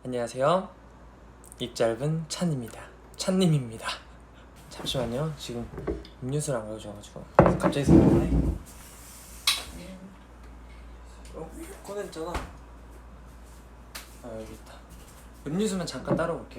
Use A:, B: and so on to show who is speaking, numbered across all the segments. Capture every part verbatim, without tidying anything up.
A: 안녕하세요. 입 짧은 찬입니다. 찬님입니다. 잠시만요. 지금 음료수를 안 가져와가지고 갑자기 생각나네. 어? 꺼냈잖아. 아 여기 있다. 음료수만 잠깐 따러 올게요.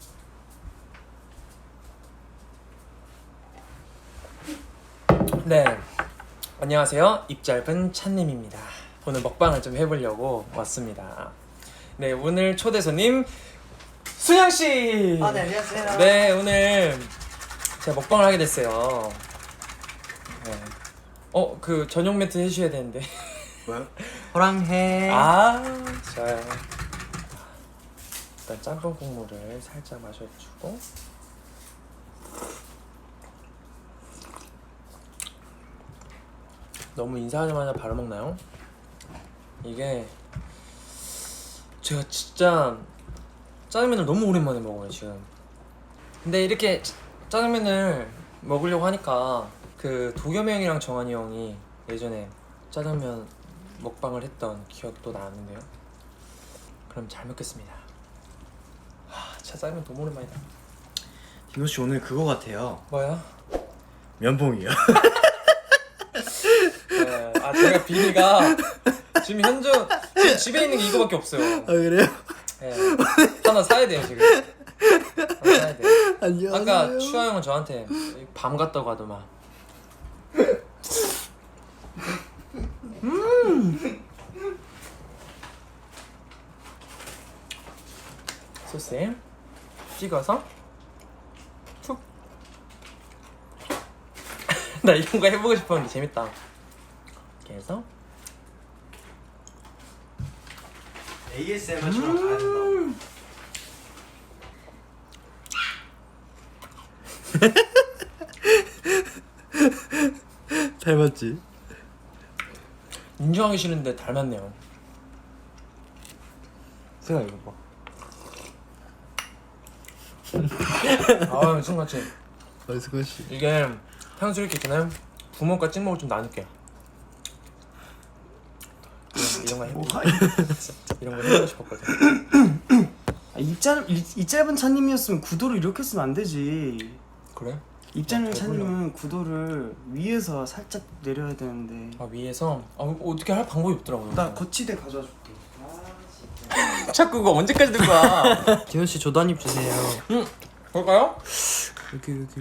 A: 네. 안녕하세요. 입 짧은 찬님입니다. 오늘 먹방을 좀 해보려고 왔습니다. 네, 오늘 초대 손님 수영 씨.
B: 아, 네, 안녕하세요.
A: 네, 오늘 제가 먹방을 하게 됐어요. 네. 어, 그 전용 멘트 해주셔야 되는데.
B: 뭐요? 호랑해.
A: 아, 좋아요. 일단 짬뽕 국물을 살짝 마셔주고. 너무 인사하자마자 바로 먹나요? 이게 제가 진짜 짜장면을 너무 오랜만에 먹어요 지금. 근데 이렇게 짜장면을 먹으려고 하니까 그 도겸이 형이랑 정한이 형이 예전에 짜장면 먹방을 했던 기억이 또 나는데요. 그럼 잘 먹겠습니다. 하, 진짜 짜장면 너무 오랜만이다.
B: 디노씨 오늘 그거 같아요.
A: 뭐야?
B: 면봉이요.
A: 네, 아 제가 비니가 지금 현재 지금 집에 있는 게 이거밖에 없어요.
B: 아 그래요?
A: 네, 하나 사야 돼요 지금. 하나 사야 돼.
B: 안녕하세요.
A: 아까 추아 형은 저한테 밤 같다고 하더만. 음. 소스에 찍어서 툭. 나 이런 거 해보고 싶었는데 재밌다. 이렇게 해서
B: 에이에스엠알처럼 가야 된다고. 닮았지?
A: 인정하기 싫은데 닮았네요. 세가 이거 봐. 아 승같이
B: 어이 승관씨.
A: 이게 탕수육 있잖아요. 부먹과 찍먹을 좀 나눌게. 이런 거 해보고 이런 거 해보고 싶었거든.
C: 아, 입, 짧, 입, 입 짧은 차님이었으면 구도를 이렇게 쓰면 안 되지.
A: 그래?
C: 입 짧은
A: 아,
C: 차님은 구도를 위에서 살짝 내려야 되는데.
A: 아 위에서 아, 어떻게 할 방법이 없더라고요.
C: 나 거치대 가져와 줄게.
A: 자꾸 그거 언제까지 들 거야?
C: 디노씨 저도 한 입 주세요.
A: 응. 볼까요?
C: 여기 여기.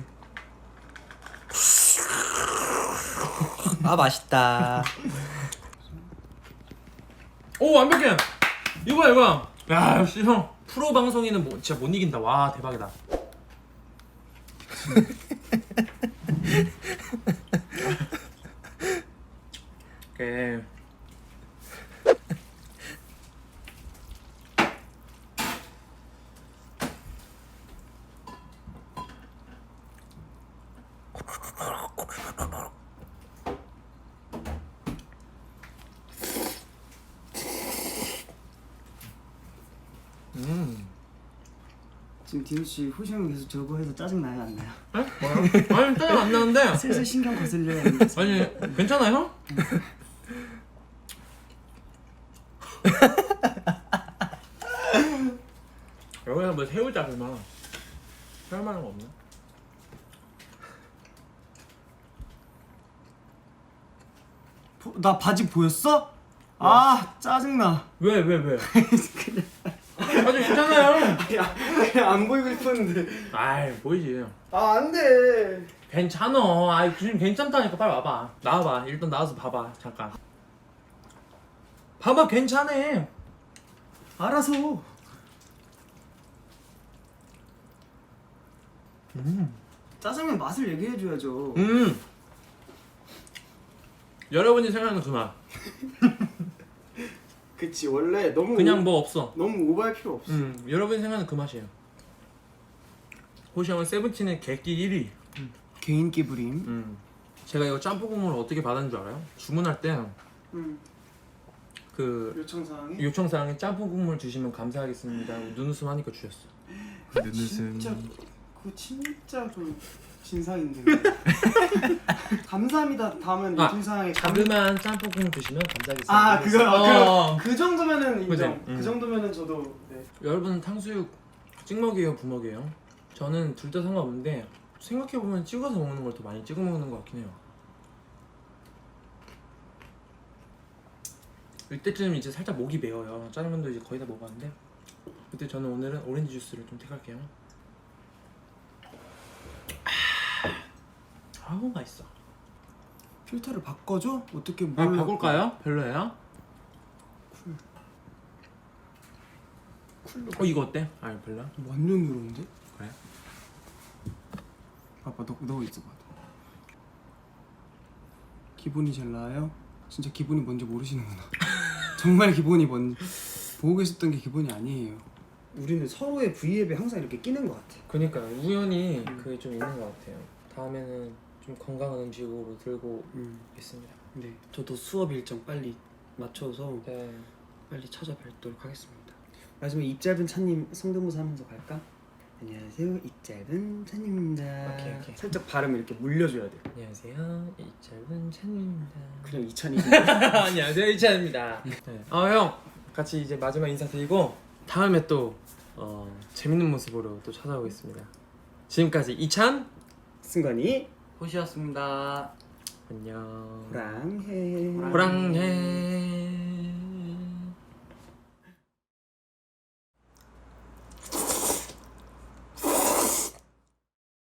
C: 아 맛있다.
A: 오 완벽해. 이거야 이거야. 야 역시 형 프로 방송인은 뭐, 진짜 못 이긴다. 와 대박이다. 오케이. 음.
C: 지금 디노씨 호시 형이 계속 저거 해서 짜증 나요 안 나요?
A: 에? 뭐요? 아니 짜증 안 나는데.
C: 슬슬 신경 거슬려요.
A: 아니 괜찮아요? 여기서 뭐 새우젓이나 할 만한 거 없나?
C: 나 바지 보였어? 아 짜증나.
A: 왜 왜 왜? 아주 괜찮아요.
C: 야, 그냥 안 보이고 싶었는데.
A: 아이 보이지.
C: 아 안돼.
A: 괜찮아. 아이 지금 괜찮다니까 빨리 와봐. 나와봐. 일단 나와서 봐봐. 잠깐. 봐봐 괜찮아.
C: 알아서.
A: 음.
C: 짜장면 맛을 얘기해줘야죠.
A: 음. 여러분이 생각하는 그 맛.
C: 그치 원래 너무
A: 그냥
C: 오,
A: 뭐 없어.
C: 너무 오버할 필요 없어.
A: 음. 여러분이 생각하는 그 맛이에요. 호시 형은 세븐틴의 객기 일 위.
C: 개인기 부림.
A: 음. 제가 이거 짬뽕 국물을 어떻게 받았는 줄 알아요? 주문할 때
C: 음.
A: 그
C: 요청사항이.
A: 요청사항에 짬뽕 국물 주시면 감사하겠습니다 하고 눈웃음 하니까 주셨어.
B: 눈웃음.
C: 진짜 그거 진짜 좀 진상인데. 감사합니다. 다음은
A: 아,
C: 요청사항에 감...
A: 자그마한 짬뽕 국물 주시면 감사하겠습니다.
C: 아 그거
A: 어.
C: 그, 그 정도면은 인정.
A: 그치? 음.
C: 그 정도면은 저도 네. 네.
A: 여러분은 탕수육 찍먹이에요, 부먹이에요? 저는 둘 다 상관없는데 생각해보면 찍어서 먹는 걸 더 많이 찍어 먹는 것 같긴 해요. 이때쯤 이제 살짝 목이 메어요. 짜장면도 이제 거의 다 먹었는데 그때 저는 오늘은 오렌지 주스를 좀 택할게요. 아우 맛있어.
C: 필터를 바꿔줘? 어떻게
A: 아
C: 뭘
A: 바꿀까요? 별로예요?
C: 쿨로
A: 어 이거 어때? 아 별로야?
C: 완전 누런데?
A: 그래?
C: 봐봐 너, 너 있어 봐. 기본이 제일 나아요? 진짜 기본이 뭔지 모르시는구나. 정말 기본이 뭔 보고 계셨던 게 기본이 아니에요. 우리는 서로의 V앱에 항상 이렇게 끼는 것 같아.
A: 그니까 우연히
C: 음.
A: 그게 좀 있는 것 같아요. 다음에는 좀 건강한 음식으로 들고
C: 음.
A: 있습니다.
C: 네. 저도 수업 일정 빨리 맞춰서
A: 네.
C: 빨리 찾아뵙도록 하겠습니다. 마지막에 입 짧은 차님 성대모사 하면서 갈까? 안녕하세요, 입 짧은 차님입니다.
A: 오케이, 오케이.
C: 살짝 발음 이렇게 물려줘야 돼.
A: 안녕하세요, 이 짧은 찬입니다.
C: 그냥 이찬이.
A: 안녕하세요, 이찬입니다. 네. 아형 같이 이제 마지막 인사드리고 다음에 또 어, 재밌는 모습으로 또 찾아오겠습니다. 지금까지 이찬
C: 승관이
A: 호시였습니다. 안녕.
C: 호랑해.
A: 호랑해.